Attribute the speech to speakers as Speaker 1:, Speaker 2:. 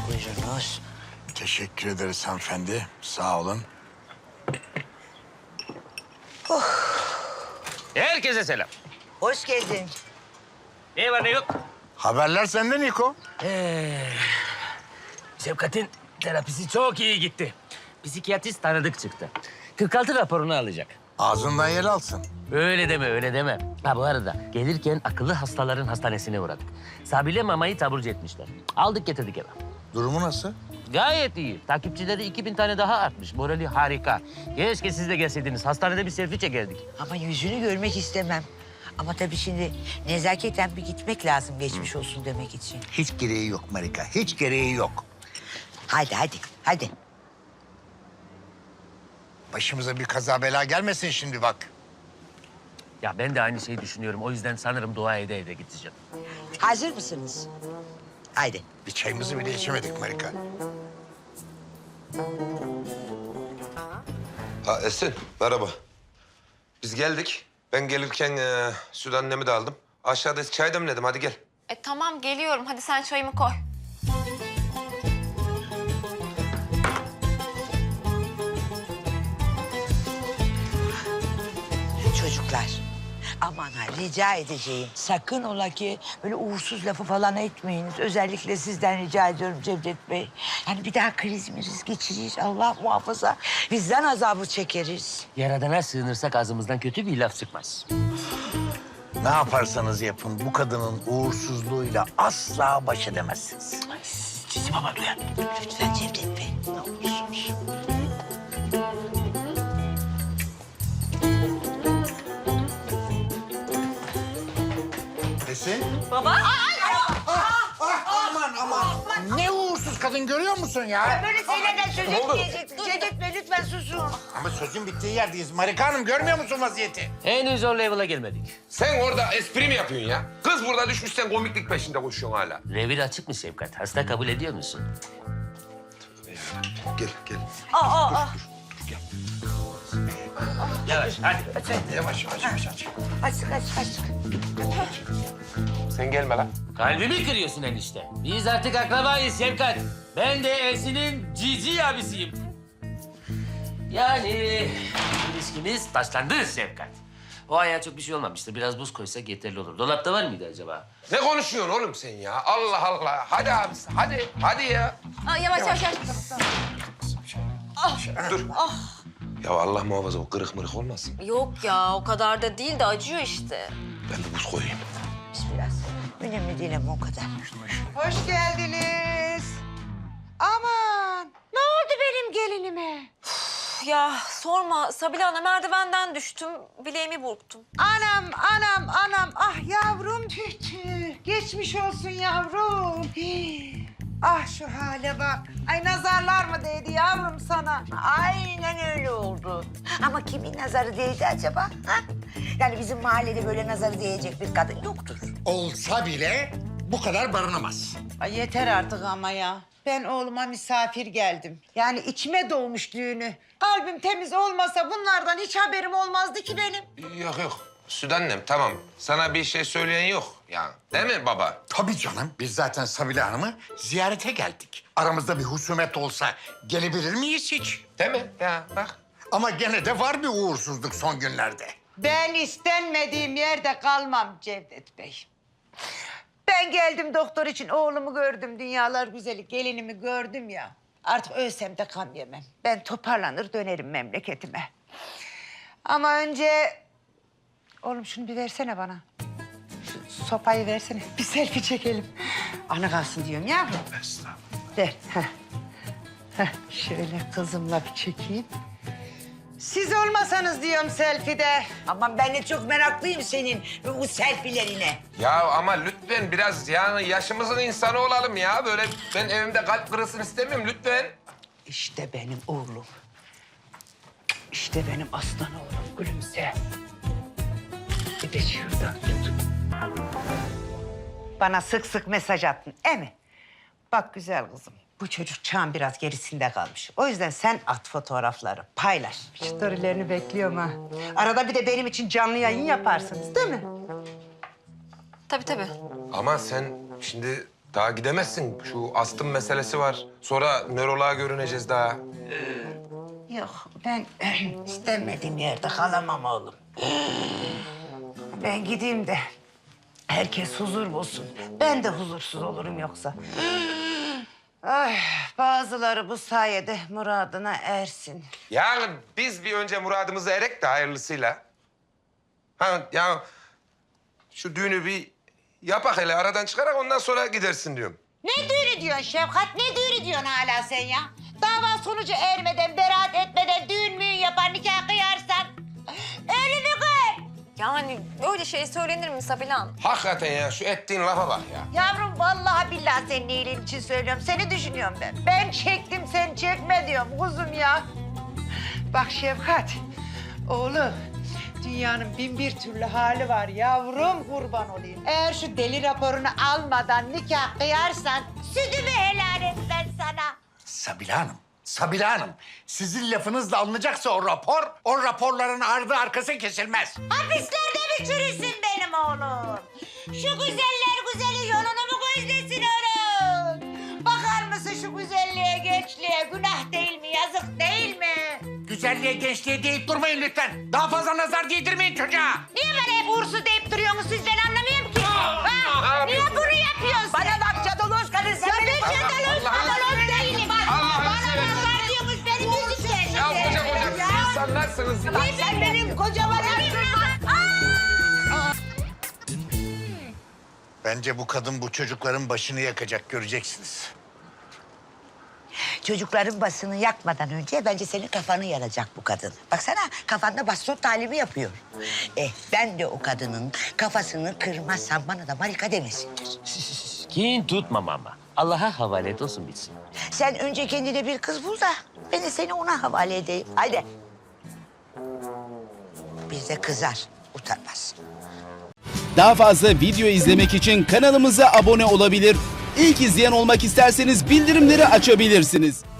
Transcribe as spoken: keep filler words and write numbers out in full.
Speaker 1: Buyurunuz.
Speaker 2: Teşekkür ederiz hanımefendi. Sağ olun.
Speaker 3: Herkese selam.
Speaker 1: Hoş geldin.
Speaker 3: Ne var ne yok?
Speaker 2: Haberler sende Niko.
Speaker 3: Ee, Şefkat'in terapisi çok iyi gitti. Psikiyatrist tanıdık çıktı. kırk altı raporunu alacak.
Speaker 2: Ağzından yer alsın.
Speaker 3: Öyle deme, öyle deme. Ha bu arada gelirken akıllı hastaların hastanesine uğradık. Sabile mamayı taburcu etmişler. Aldık getirdik eve.
Speaker 2: Durumu nasıl?
Speaker 3: Gayet iyi. Takipçileri iki bin tane daha artmış. Morali harika. Keşke siz de gelseydiniz. Hastanede bir selfie çekerdik.
Speaker 1: Ama yüzünü görmek istemem. Ama tabii şimdi nezaketen bir gitmek lazım geçmiş olsun demek için.
Speaker 2: Hiç gereği yok Marika. Hiç gereği yok.
Speaker 1: Hadi hadi hadi.
Speaker 2: Başımıza bir kaza bela gelmesin şimdi bak.
Speaker 3: Ya ben de aynı şeyi düşünüyorum. O yüzden sanırım dua ede ede gideceğim.
Speaker 1: Hazır mısınız? Haydi.
Speaker 2: Bir çayımızı bile içemedik Marika.
Speaker 4: Ha Esin, merhaba. Biz geldik. Ben gelirken e, süt annemi de aldım. Aşağıda çay demledim, hadi gel.
Speaker 5: E tamam geliyorum. Hadi sen çayımı koy.
Speaker 1: Çocuklar. Aman ha rica edeceğim. Sakın ola ki böyle uğursuz lafı falan etmeyiniz. Özellikle sizden rica ediyorum Cevdet Bey. Yani bir daha kriz miriz geçiririz. Allah muhafaza. Bizden azabı çekeriz.
Speaker 3: Yaradana sığınırsak ağzımızdan kötü bir laf çıkmaz.
Speaker 2: Ne yaparsanız yapın bu kadının uğursuzluğuyla asla baş edemezsiniz.
Speaker 1: Cici baba duyar. Lütfen Cevdet Bey. Ne olursunuz.
Speaker 2: Esin?
Speaker 5: Baba.
Speaker 2: Aman aman. Ne uğursuz kadın görüyor musun ya?
Speaker 1: Böyle şeylerden söz etmeyeceksin. Cevdet Bey lütfen susun.
Speaker 2: Ama sözün bittiği yerdeyiz. Marika Hanım görmüyor musun vaziyeti?
Speaker 3: Henüz o level'a gelmedik.
Speaker 4: Sen orada espri mi yapıyorsun ya? Kız burada düşmüş, sen komiklik peşinde koşuyorsun hala.
Speaker 3: Revir açık mı Şefkat? Hasta kabul ediyor musun?
Speaker 4: Gel, gel.
Speaker 5: Aa, aa, aa.
Speaker 3: Yavaş hadi.
Speaker 2: Yavaş yavaş yavaş. yavaş.
Speaker 1: Açık açık açık.
Speaker 4: Sen gelme lan.
Speaker 3: Kalbimi kırıyorsun enişte. Biz artık akrabayız Şefkat. Ben de Esin'in cici abisiyim. Yani ilişkimiz taşlandı Şefkat. O ayağa çok bir şey olmamıştır. Biraz buz koysak yeterli olur. Dolapta var mıydı acaba?
Speaker 4: Ne konuşuyorsun oğlum sen ya? Allah Allah. Hadi abisi, hadi. Hadi ya.
Speaker 5: Aa, yavaş yavaş yavaş.
Speaker 4: Dur. Ya Allah muhafaza, o kırık mırık olmasın.
Speaker 5: Yok ya o kadar da değil de acıyor işte.
Speaker 4: Ben bir buz koyayım.
Speaker 1: Biraz. Önemli değil ama o kadar.
Speaker 6: Hoş geldiniz. Aman, ne oldu benim gelinime?
Speaker 5: Üf, ya sorma Sabile Ana merdivenden düştüm. Bileğimi burktum.
Speaker 6: Anam, anam, anam. Ah yavrum tüh tüh. Geçmiş olsun yavrum. Hii. Ah şu hale bak. Ay nazarlar mı değdi yavrum sana?
Speaker 1: Aynen öyle oldu. Ama kimin nazarı değdi acaba? Ha? Yani bizim mahallede böyle nazarı değecek bir kadın yoktur.
Speaker 2: Olsa bile bu kadar barınamaz.
Speaker 6: Ay yeter artık ama ya. Ben oğluma misafir geldim. Yani içime doğmuş düğünü. Kalbim temiz olmasa bunlardan hiç haberim olmazdı ki benim.
Speaker 4: Yok yok. Süt annem tamam. Sana bir şey söyleyen yok ya. Değil mi baba?
Speaker 2: Tabii canım. Biz zaten Sabile Hanım'ı ziyarete geldik. Aramızda bir husumet olsa gelebilir miyiz hiç?
Speaker 4: Değil mi? Ya bak.
Speaker 2: Ama gene de var bir uğursuzluk son günlerde.
Speaker 6: Ben istenmediğim yerde kalmam Cevdet Bey. Ben geldim doktor için oğlumu gördüm. Dünyalar güzeli gelinimi gördüm ya. Artık ölsem de gam yemem. Ben toparlanır dönerim memleketime. Ama önce... Oğlum şunu bir versene bana. Şu sopayı versene. Bir selfie çekelim. Anı kalsın diyorum yavrum.
Speaker 2: Estağfurullah.
Speaker 6: Ver. Heh. Heh. Şöyle kızımla bir çekeyim. Siz olmasanız diyorum selfie'de.
Speaker 1: Aman ben de çok meraklıyım senin bu selfie'lerine.
Speaker 4: Ya ama lütfen biraz yani yaşımızın insanı olalım ya. Böyle ben evimde kalp kırılsın istemiyorum lütfen.
Speaker 6: İşte benim oğlum. İşte benim aslan oğlum. Gülümse. Bir de şuradan tut. Bana sık sık mesaj attın, e mi? Bak güzel kızım, bu çocuk çağın biraz gerisinde kalmış. O yüzden sen at fotoğrafları, paylaş. Storylerini bekliyorum ha. Arada bir de benim için canlı yayın yaparsınız, değil mi?
Speaker 5: Tabii tabii.
Speaker 4: Ama sen şimdi Daha gidemezsin. Şu astım meselesi var. Sonra nöroloğa görüneceğiz daha.
Speaker 6: Yok, ben istemediğim yerde kalamam oğlum. Ben gideyim de herkes huzur bulsun. Ben de huzursuz olurum yoksa. Ay, bazıları bu sayede muradına ersin.
Speaker 4: Yani biz bir önce muradımızı erek de hayırlısıyla. Ha ya şu düğünü bir yapak hele aradan çıkarak ondan sonra gidersin diyorum.
Speaker 6: Ne düğünü diyorsun Şefkat? Ne düğünü diyorsun hala sen ya? Dava sonucu ermeden, beraat etmeden düğün müğün yapar, nikah kıyarsan... ...ölümü kır.
Speaker 5: Yani öyle şey söylenir mi Sabile Hanım?
Speaker 4: Hakikaten ya şu ettiğin lafa bak ya.
Speaker 6: Yavrum vallahi billahi senin iyiliğin için söylüyorum. Seni düşünüyorum ben. Ben çektim, sen çekme diyorum kuzum ya. Bak Şefkat, oğlum... Dünyanın bin bir türlü hali var yavrum, kurban olayım. Eğer şu deli raporunu almadan nikah kıyarsan... ...sütümü helal et ben sana.
Speaker 2: Sabile Hanım, Sabile Hanım. Sizin lafınızla alınacaksa o rapor, o raporların ardı arkası kesilmez.
Speaker 6: Hapislerde mi çürüsün benim oğlum? Şu güzeller güzeli yolunu mu gözlesin oğlum? Bakar mısın şu güzelliğe, gençliğe? Günah değil mi, yazık değil mi?
Speaker 2: Güzelliğe, gençliğe deyip durmayın lütfen. Daha fazla nazar değdirmeyin çocuğa.
Speaker 6: Niye bana hep uğursuz deyip duruyorsunuz siz? Ben anlamıyorum ki. Ha? Niye bunu yapıyorsun? Bana bak cadaloz kadın. Sen ben cadaloz cadaloz değilim.
Speaker 4: Allah'ını
Speaker 6: Bana
Speaker 4: seversen.
Speaker 6: nazar diyormuş benim yüzümden.
Speaker 4: Ya koca koca insanlarsınız.
Speaker 6: Bak sen benim kocama
Speaker 2: Bence bu kadın bu çocukların başını yakacak, göreceksiniz.
Speaker 1: Çocukların basını yakmadan önce bence senin kafanı yaracak bu kadın. Baksana kafanda baston talimi yapıyor. Eh ben de o kadının kafasını kırmazsam bana da marika demesinler.
Speaker 3: Kin tutmam ama. Allah'a havale et olsun bitsin.
Speaker 1: Sen önce kendine bir kız bul da ben de seni ona havale edeyim. Haydi. Bir de kızar, utanmaz.
Speaker 7: Daha fazla video izlemek için kanalımıza abone olabilir. İlk izleyen olmak isterseniz bildirimleri açabilirsiniz.